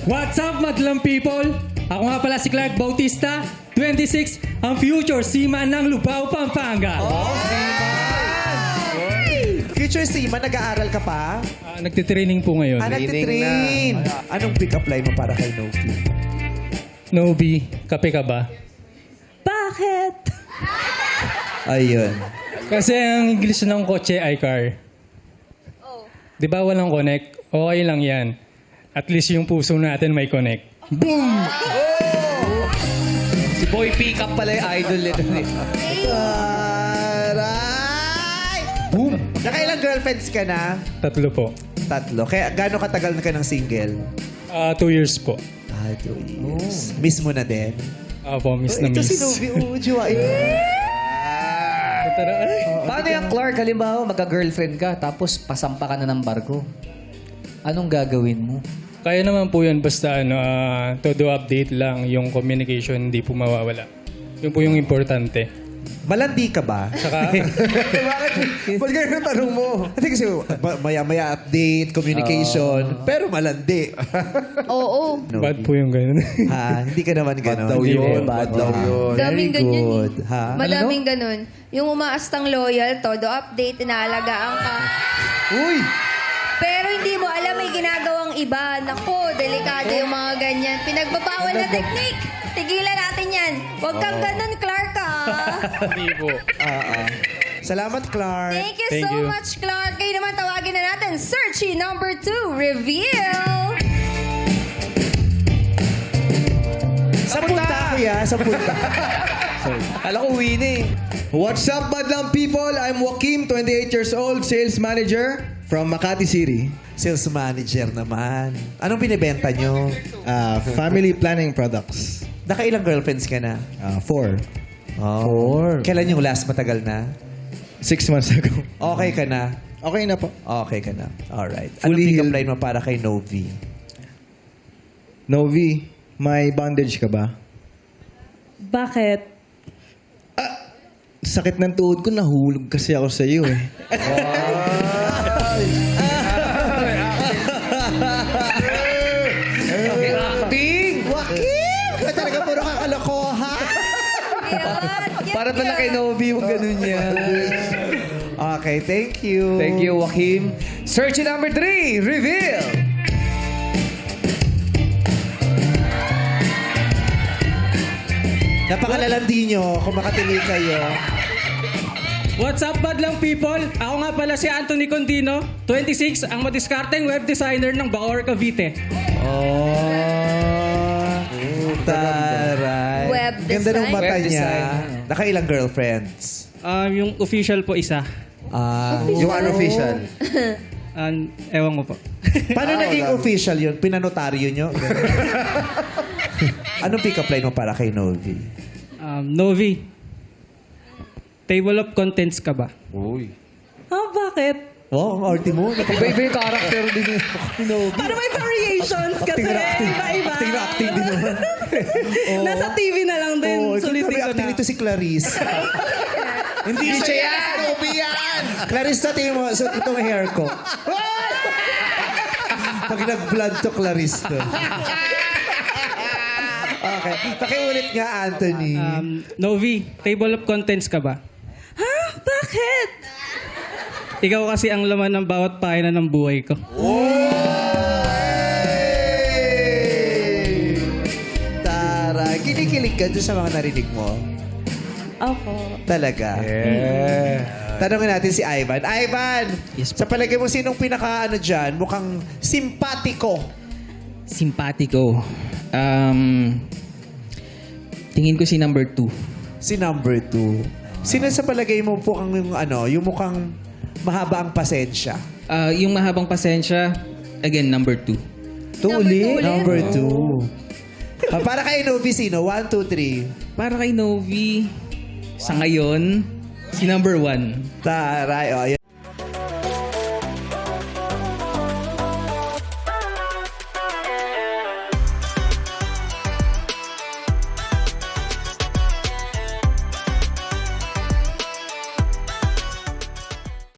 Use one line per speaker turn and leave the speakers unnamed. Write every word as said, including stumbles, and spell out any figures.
What's up, madlang people? Ako nga pala si Clark Bautista, twenty-six, ang future seaman ng Lubao, Pampanga.
Oh, Future Seaman, nag-aaral ka pa?
Ah, nagtitraining po ngayon.
Ah, nagtitrain. Anong pick-up line mo para kay Novi?
Nobi, kape ka ba?
Bakit?
Ayun.
Kasi ang English ng kotse ay car. Di ba walang connect? Okay lang yan. At least yung puso natin may connect. Boom!
Si Boy Pickup pala yung idol nito.
Aray! Boom! Nakailang girlfriends ka na?
Tatlo po.
Tatlo. Kaya gaano katagal na ka ng single?
Ah, two years po.
Ah, two years. Miss mo na din?
Apo, miss na
Ito
miss.
si Novi. Oo, jiwain mo.
Paano yung Clark? Halimbawa, magka-girlfriend ka, tapos pasampa ka na ng barko. Anong gagawin mo?
Kaya naman po yun, basta ano, ah, todo update lang, yung communication hindi po mawawala. Yun po yung importante.
Malandi ka ba?
Saka,
Bakit? Ba't ganyan ang tanong mo? Kasi kasi ba- maya-maya update, communication, pero malandi.
Oo.
bad po yung ganun.
Ha? Hindi ka naman gano'n.
daw yun,
Bad daw yun.
Daming
Very
ganyan
good.
eh.
Ha?
Madaming ganun. Yung umaastang loyal, todo update, inaalagaan ka.
Uy!
Pero hindi mo alam may ginagawang iba. Naku, delikado yung mga ganyan. Pinagbabawal na technique. Tigilan natin yan. Huwag kang ganun, Clark, ah.
Hindi po.
Ah, ah. Salamat, Clark.
Thank you
Thank
so
you.
much, Clark. Kayo naman tawagin na natin. Searchy number two, reveal.
Sa punta, kuya. Sa punta.
Alam ko, uwi na eh.
What's up, Badlang people? I'm Joaquim, twenty-eight years old, sales manager from Makati City.
Sales manager naman. Anong binibenta nyo?
Uh, family planning products.
Nakailang girlfriends ka na?
Uh, four.
Oh.
Four.
Kailan yung last matagal na?
Six months ago.
Okay ka na?
Okay na po.
Okay ka na. Alright. Anong
Fully
pick-up
healed.
line mo para kay Novi?
Novi, may bondage ka ba?
Bakit?
Sakit ng tuhod ko, nahulog kasi ako sa iyo eh.
Acting!
Joaquin! Ka talaga puro kakalokohan.
Yan,
Para pala kay Novi yung ganun niya.
Okay, thank you.
Thank you, Joaquim. Searchy number three, reveal!
Napakalalandi nyo kung makatili kayo.
What's up, madlang people? Ako nga pala si Anthony Condino, twenty-six, ang madiskarteng web designer ng Bacoor, Cavite.
Oh. Taray.
Web
Ganda ng
design.
mata
Web
niya.
design.
Nakailang girlfriends?
Um, yung official po isa.
Ah.
Yung unofficial.
Um, ewan ko po.
Paano naging official yun? Pinanotaryo nyo? Anong pick-up line mo para kay Novi?
Um, Novi, table of contents ka ba?
Ah, bakit?
Oh, ang arty mo.
Iba-iba yung character din ni Novi.
Para may variations kasi.
Acting na acting.
Iba-iba.
Acting na acting din naman.
Nasa T V na lang din.
Oh,
Sulitin ko
acting
na.
nito si Clarice. Hindi siya yan! Novi yan! Clarice, sa tingin mo, so itong hair ko. Pag nag-blood to Clarice to. Okay. Pakiulit nga, Anthony.
Um, Novi, table of contents ka ba?
Ha? Bakit?
Ikaw kasi ang laman ng bawat pahina ng buhay ko.
Tara, kinikilig ka dun sa mga narinig mo?
Ako.
Talaga?
Yeah.
Tanungin natin si Ivan. Ivan,
Yes,
sa palagay mo, sinong pinaka ano dyan? Mukhang simpatiko.
Simpatiko. Um, tingin ko si number two.
Si number two. Sino sa palagay mo po ang yung ano, yung mukhang mahaba ang pasensya?
Ah, yung mahabang pasensya, again, number two.
Two
Number
ulit?
two ulit.
Number two. Ah, para kay Novi, sino? One, two, three.
Para kay Novi, sa ngayon, si number one.
Taray. O, ayan